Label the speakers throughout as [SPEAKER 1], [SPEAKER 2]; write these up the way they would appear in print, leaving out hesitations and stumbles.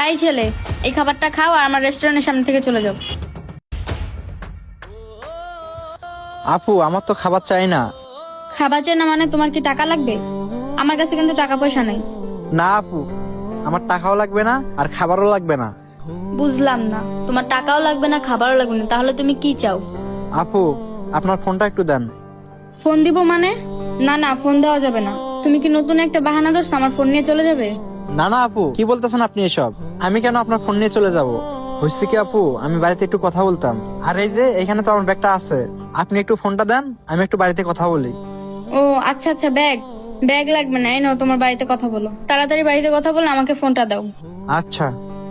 [SPEAKER 1] এই ছেলে, এই খাবারটা খাও আর আমার রেস্টুরেন্টের সামনে থেকে চলে যাও।
[SPEAKER 2] আপু আমার তো খাবার চাই না।
[SPEAKER 1] খাবার চাই না মানে তোমার কি টাকা লাগবে? আমার কাছে কিন্তু টাকা পয়সা নেই।
[SPEAKER 2] না আপু, আমার টাকাও লাগবে না আর খাবারও লাগবে না।
[SPEAKER 1] বুঝলাম না, তোমার টাকাও লাগবে না খাবারও লাগবে না, তাহলে তুমি কি চাও?
[SPEAKER 2] আপু আপনার ফোনটা একটু দেন।
[SPEAKER 1] ফোন দিব মানে? না না, ফোন দেওয়া যাবে না। তুমি কি নতুন একটা বাহানা ধরছো আমার ফোন নিয়ে চলে যাবে?
[SPEAKER 2] না না আপু, কি বলতেছেন আপনি এসব? আমি কেন আপনার ফোন নিয়ে চলে যাব? হয়েছে কি আপু, আমি বাড়িতে একটু কথা বলতাম। আর এই যে এখানে তো আমার ব্যাগটা আছে, আপনি একটু ফোনটা দেন, আমি একটু বাড়িতে কথা বলি।
[SPEAKER 1] ও আচ্ছা আচ্ছা, ব্যাগ ব্যাগ লাগবে না, এই নাও তোমার বাড়িতে কথা বলো। তাড়াতাড়ি বাড়িতে কথা বলে আমাকে ফোনটা দাও।
[SPEAKER 2] আচ্ছা।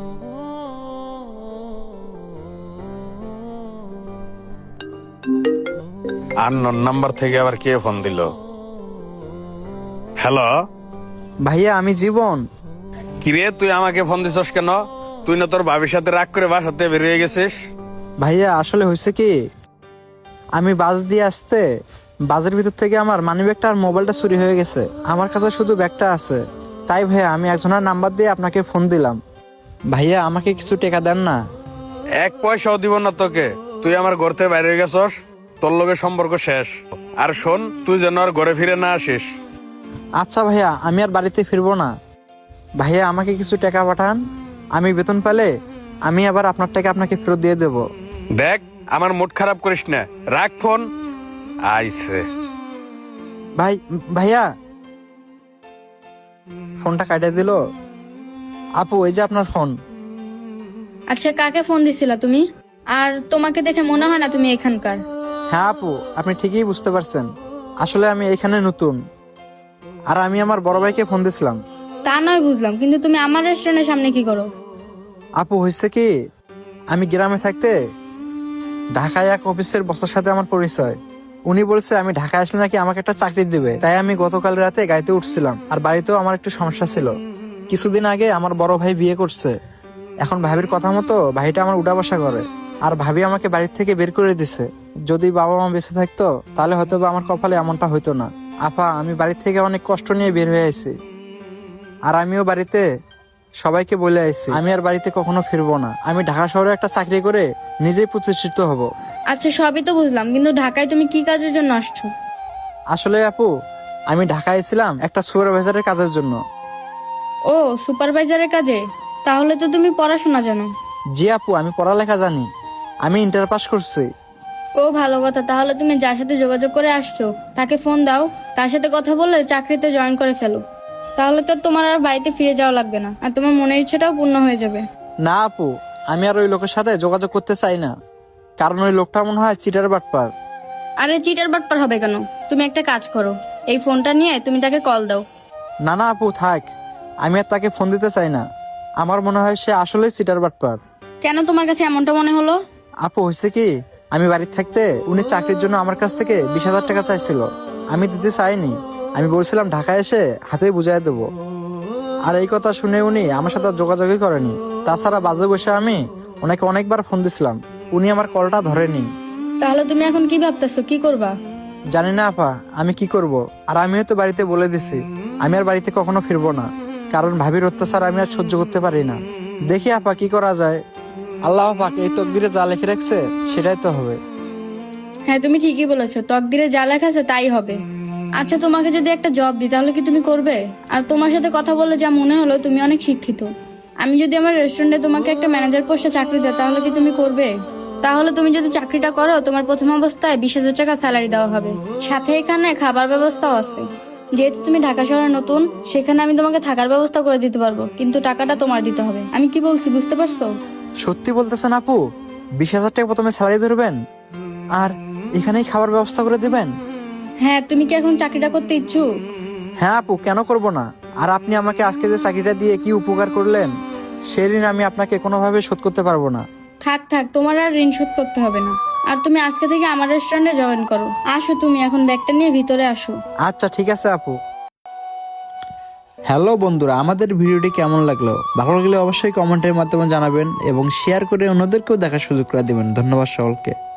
[SPEAKER 3] আননোন নাম্বার থেকে আবার কে ফোন দিল? হ্যালো,
[SPEAKER 2] ভাইয়া আমি জীবন।
[SPEAKER 3] কিরে তুই আমাকে ফোন দিছস কেন? তুই না তোর ভাবির সাথে রাগ করে বাসাতে বেরিয়ে গেছিস?
[SPEAKER 2] ভাইয়া আসলে হয়েছে কি, আমি বাস দিয়ে আসতে বাসের ভিতর থেকে আমার মানিব্যাগটা আর মোবাইলটা চুরি হয়ে গেছে। আমার কাছে শুধু ব্যাগটা আছে। তাই ভাইয়া আমি একজনের নাম্বার দিয়ে আপনাকে ফোন দিলাম। ভাইয়া আমাকে কিছু টাকা দেন না।
[SPEAKER 3] এক পয়সাও দিব না তোকে। তুই আমার ঘর থেকে বাইরে গেছস, তোর লগে সম্পর্ক শেষ। আর শোন, তুই যেন আর ঘরে ফিরে না আসিস।
[SPEAKER 2] আচ্ছা ভাইয়া, আমি আর বাড়িতে ফিরবো না। ভাইয়া আমাকে কিছু টাকা পাঠান, আমি বেতন পেলে আমি আবার আপনার টাকা আপনাকে ফেরত দিয়ে দেব।
[SPEAKER 3] দেখ, আমার মুড খারাপ করিস না, রাখ ফোন। আইছে।
[SPEAKER 2] ভাইয়া ফোনটা কাটিয়ে দিল। আপু এই যে আপনার ফোন।
[SPEAKER 1] আচ্ছা, কাকে ফোন দিছিলা তুমি? আর তোমাকে দেখে মনে হয় না তুমি এখানকার।
[SPEAKER 2] হ্যাঁ আপু, আপনি ঠিকই বুঝতে পারছেন। আসলে আমি এখানে নতুন, আর আমি আমার বড় ভাইকে ফোন দিছিলাম।
[SPEAKER 1] তা নয় বুঝলাম, কিন্তু তুমি আমার রেস্টুরেন্টের সামনে কি করো?
[SPEAKER 2] আপু হয়েছে কি, আমি গ্রামে থাকতে ঢাকায় এক অফিসের বসের সাথে আমার পরিচয়। উনি বলছে আমি ঢাকায় আসলে নাকি আমাকে একটা চাকরি দিবে। তাই আমি গতকাল রাতে গাড়িতে উঠছিলাম, আর বাড়িতেও আমার একটু সমস্যা ছিল। কিছুদিন আগে আমার বড় ভাই বিয়ে করছে। এখন ভাবির কথা মতো ভাইটা আমার উঠা বসা করে, আর ভাবি আমাকে বাড়ির থেকে বের করে দিছে। যদি বাবা মা বেঁচে থাকতো তাহলে হয়তো বা আমার কপালে এমনটা হইতো না। আপা আমি বাড়ির থেকে অনেক কষ্ট নিয়ে বের হয়ে আইছি, আর আমিও বাড়িতে সবাইকে বলে আইছি আমি আর বাড়িতে কখনো ফিরবো না। আমি ঢাকা শহরে একটা চাকরি করে নিজেই প্রতিষ্ঠিত হব।
[SPEAKER 1] আচ্ছা সবই তো বুঝলাম, কিন্তু ঢাকায় তুমি কি কাজের জন্য আসছো?
[SPEAKER 2] আসলে আপু, আমি ঢাকায় ছিলাম একটা সুপারভাইজারের কাজের জন্য।
[SPEAKER 1] ও সুপারভাইজারের কাজে? তাহলে তো তুমি পড়াশোনা জানো।
[SPEAKER 2] জি আপু, আমি পড়ালেখা জানি, আমি ইন্টার পাস করছি।
[SPEAKER 1] ও ভালো কথা, তাহলে তুমি যার সাথে যোগাযোগ করে আসছো তাকে ফোন দাও, তার সাথে কথা বলে চাকরিতে জয়েন করে ফেলো। তাহলে তো তোমার আর বাড়িতে ফিরে যাওয়া লাগবে না, আর তোমার মনের ইচ্ছাটাও পূর্ণ হয়ে যাবে।
[SPEAKER 2] না আপু, আমি আর ওই লোকের সাথে যোগাযোগ করতে চাই না, কারণ ওই লোকটা মনে হয় চিটার বাটপার।
[SPEAKER 1] আরে চিটার বাটপার হবে কেন? তুমি একটা কাজ করো, এই ফোনটা নিয়ে তুমি তাকে কল দাও।
[SPEAKER 2] না না আপু থাক, আমি আর তাকে ফোন দিতে চাই না। আমার মনে হয় সে আসলেই চিটার বাটপার।
[SPEAKER 1] কেন তোমার কাছে এমনটা মনে হলো?
[SPEAKER 2] আপু হয়েছে কি, আমি বাড়িতে থাকতে উনি চাকরির জন্য আমার কাছ থেকে 20,000 টাকা চাইছিল। আমি দিতে চাইনি, আমি বলছিলাম ঢাকায় এসে হাতে বুঝাই দেবো। আর এই কথা শুনে উনি আমার সাথে আর যোগাযোগই করেনি। তাছাড়া বাজে বসে আমি ওনাকে অনেকবার ফোন দিছিলাম, উনি আমার কলটা ধরেনি।
[SPEAKER 1] তাহলে তুমি এখন কি ভাবতেছো, কি করবা?
[SPEAKER 2] জানি না আপা আমি কি করব। আর আমিও তো বাড়িতে বলে দিছি আমি আর বাড়িতে কখনো ফিরবো না, কারণ ভাবির অত্যাচার আমি আর সহ্য করতে পারি না। দেখি আপা কি করা যায়। আল্লাহ পাক এই তকদিরে যা লিখে রাখছে সেটাই তো হবে।
[SPEAKER 1] হ্যাঁ তুমি ঠিকই বলেছো, তকদিরে যা লেখা আছে তাই হবে। আচ্ছা তোমাকে যদি একটা জব দিই তাহলে কি তুমি করবে? আর তোমার সাথে কথা বলে যা মনে হলো তুমি অনেক শিক্ষিত। আমি যদি আমার রেস্টুরেন্টে তোমাকে একটা ম্যানেজার পোস্টে চাকরি দেয় তাহলে কি তুমি করবে? তাহলে তুমি যদি চাকরিটা করো তোমার প্রথম অবস্থায় 20,000 টাকা স্যালারি দেওয়া হবে, সাথে এখানে খাবার ব্যবস্থাও আছে। যেহেতু তুমি ঢাকা শহরে নতুন, সেখানে আমি তোমাকে থাকার ব্যবস্থা করে দিতে পারবো, কিন্তু টাকাটা তোমার দিতে হবে। আমি কি বলছি বুঝতে পারছো?
[SPEAKER 2] সত্যি বলতেছেন আপু? 20,000 টাকা প্রথমে স্যালারি ধরবেন আর এখানেই খাবার ব্যবস্থা করে দিবেন?
[SPEAKER 1] হ্যাঁ, তুমি কি এখন চাকরিটা করতে ইচ্ছুক?
[SPEAKER 2] হ্যাঁ আপু, কেন করব না। আর আপনি আমাকে আজকে যে চাকরিটা দিয়ে কি উপকার করলেন, সেই ঋণ আমি আপনাকে কোনোভাবে শোধ করতে পারবো না।
[SPEAKER 1] থাক থাক, তোমার আর ঋণ শোধ করতে হবে না। আর তুমি আজকে থেকে আমার রেস্টুরেন্টে জয়েন করো। আসো, তুমি এখন ব্যাগটা নিয়ে ভিতরে আসো।
[SPEAKER 2] আচ্ছা ঠিক আছে আপু। হ্যালো বন্ধুরা, আমাদের ভিডিওটি কেমন লাগলো? ভালো লাগলে অবশ্যই কমেন্টের মাধ্যমে জানাবেন এবং শেয়ার করে অন্যদেরকেও দেখার সুযোগ করে দিবেন। ধন্যবাদ সকলকে।